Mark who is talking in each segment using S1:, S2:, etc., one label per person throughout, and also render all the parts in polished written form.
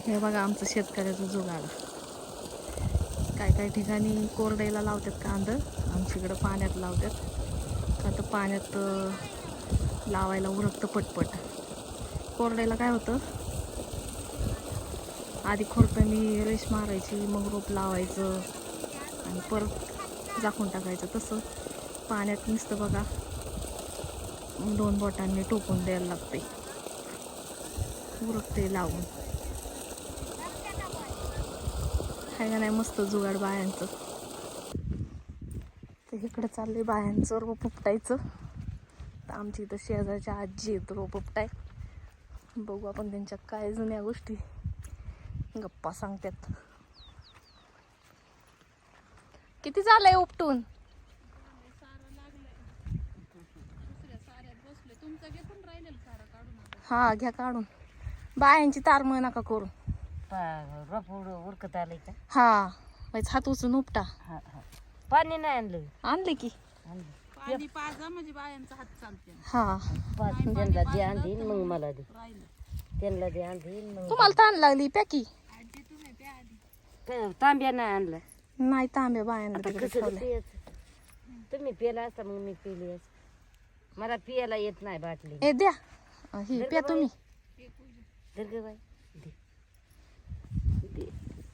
S1: हे बघा आमचं शेतकऱ्याचं जुगाड. काय काय ठिकाणी कोरड्याला लावतात कांदा, आमच्याकडं पाण्यात लावतात. का तर पाण्यात लावायला उरकतं पटपट. कोरड्याला काय होतं, आधी खुरप्यानी रेश मारायची, मग रोप लावायचं आणि परत झाकून टाकायचं. तसं पाण्यात नुसतं बघा 2 बोटांनी टोकून द्यायला लागते, उरकते लावून. आहे का नाही मस्त जुगाड बायांचं. तर इकडं चाललंय बायांचं रोप उपटायचं. तर आमची इथं शेजारच्या आजी आहेत रोप उपटाय. बघू आपण त्यांच्या काय जुन्या गोष्टी गप्पा सांगतात. किती झालंय उपटून? हा घ्या काढून. बायांची तारमळ नका करू.
S2: रोप उडकत आलंय का?
S1: हा वाईच हात उचलून उपटा.
S2: पाणी नाही आणलं.
S1: आणले की
S3: पाणी पाजा म्हणजे बायांचा हात चालते.
S1: हा
S2: त्यांना दे आणीन मग मला दे. त्यांना दे आणीन मग.
S1: तुम्हाला ताण लागली पॅकी
S2: तांब्या नाही आणलं.
S1: नाही तांब्या बायांना
S2: आता
S1: तिकडे
S2: कसं
S1: ठेवलंय.
S2: पियाचं? तुम्ही पिला असता मग मी पिली असं. मला पियाला येत नाही बाटली.
S1: ए द्या ही प्या तुम्ही.
S2: दर्ग बाई दे. दे.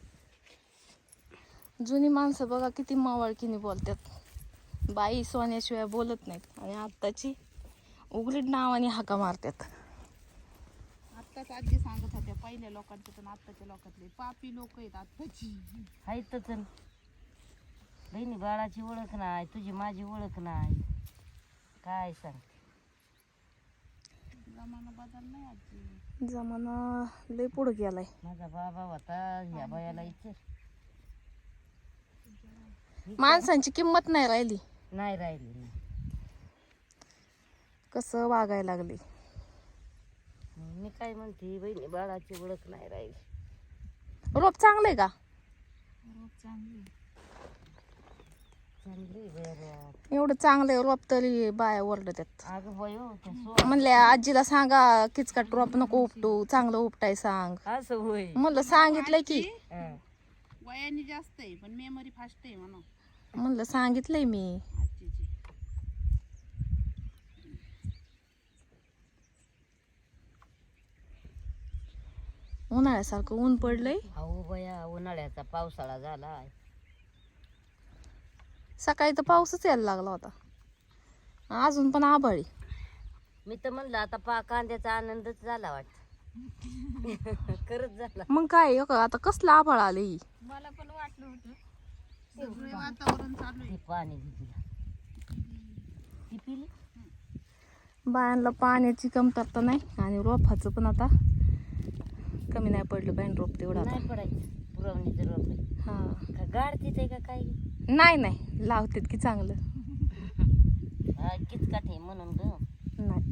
S1: जुनी माणसं बघा किती मावळकीने बोलतात. बाई सोन्याशिवाय बोलत नाहीत आणि आत्ताची उघडीत नावाने हाका मारतात.
S3: आत्ताच आजी सांगत होत्या पहिल्या लोकांचे पण आत्ताच्या लोकांतले पापी लोक आहेत आत्ताची.
S2: हायतच ना. बहिणी बाळाची ओळख नाही, तुझी माझी ओळख नाही. काय सांग.
S3: जमाना बदल नाही आजी.
S1: जमाना लय पुढे गेलाय.
S2: माझा बाबा होता ह्या बायाला इच्छा
S1: माणसांची किंमत नाही राहिली.
S2: नाही राहिली.
S1: कसं वागायला लागले.
S2: मी काय म्हणते, बहिणी बाळाची ओळख नाही राहिली.
S1: रोप चांगलंय का?
S2: चांगली
S1: एवढं चांगलंय रोप तरी बाया ओरडतात.
S2: अगं बाई हो, त्या
S1: म्हणले आजीला सांगा किचकट रोप नको उपटू, चांगलं उपटाय सांग.
S2: असं होय.
S1: म्हणलं सांगितलंय की.
S3: वयाने जास्त आहे पण मेमरी फास्ट आहे म्हणून.
S1: म्हणलं सांगितलंय मी.
S3: आजीची
S1: उन्हाळ्यासारखं ऊन पडलंय.
S2: अहो बया, उन्हाळ्याचा पावसाळा झालाय.
S1: सकाळी तर पाऊसच यायला लागला होता, अजून पण आभाळी.
S2: मी तर म्हणलं आता कांद्याचा आनंदच झाला वाटत. खरंच झाला.
S1: मग काय आता कसलं आभाळ आले.
S3: मला पण वाटलं होतं सगळे वातावरण चालू आहे.
S2: ती पाणी दिली ती पिली.
S1: बायांना पाण्याची कमतरता नाही आणि रोपाचं पण आता कमी नाही पडलं पाहिजे रोप तेवढं आता.
S2: नाही पडायचं पुरवणीचं रोप आहे.
S1: हा
S2: का गाडतीच आहे का काय?
S1: नाही लावतात की चांगलं.
S2: किचकाट आहे म्हणून ग.
S1: नाही